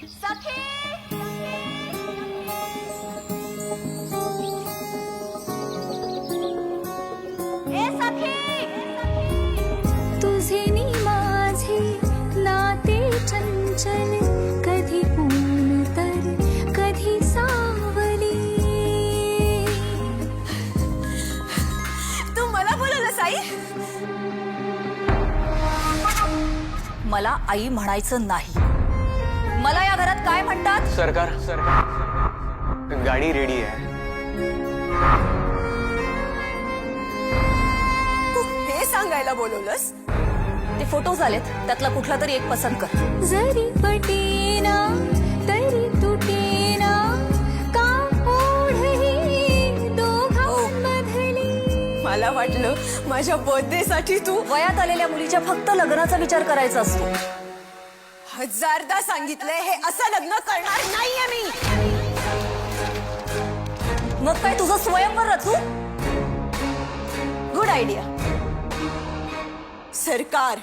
सखी ए सखी तुझे नी माझे नाते चंचल कधी ऊन तर कधी सावली तू मला बोलवलंस आई मला आई म्हणायचं नाही मला या घरात काय म्हणतात सरकार गाडी रेडी आहे हे सांगायला बोलवलंस ते फोटोज आलेत त्यातला कुठला तरी एक पसंत कर जरी पटेना तरी तुटेना का ओढही दोघांमधली मला वाटलं माझ्या बर्थडे साठी तू वयात आलेल्या मुलीच्या फक्त लग्नाचा विचार करायचा असतो हजारदा सांगितलंय हे असं लग्न करणार नाहीये मी मग काय तुझं स्वयंवर रचू गुड आयडिया सरकार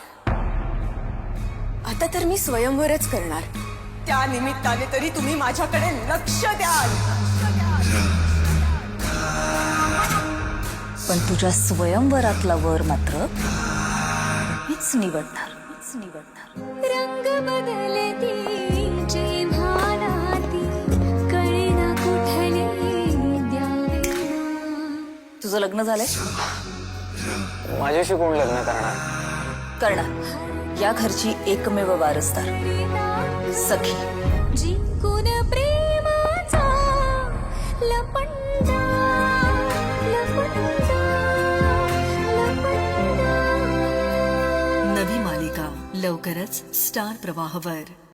आता तर मी स्वयंवरच करणार त्या निमित्ताने तरी तुम्ही माझ्याकडे लक्ष द्याल पण तुझ्या स्वयंवरातला वर मात्र मीच निवडणार रंग बदलती जेव्हा नाती कळेना कुठले द्यावे तुझं लग्न झालंय माझ्याशी कोण लग्न करणार या घरची एकमेव वारसदार सखी जिंकून प्रेमाचा लपंडा लपंडा लपंडा नवी मालिका लवकरच स्टार प्रवाहवर.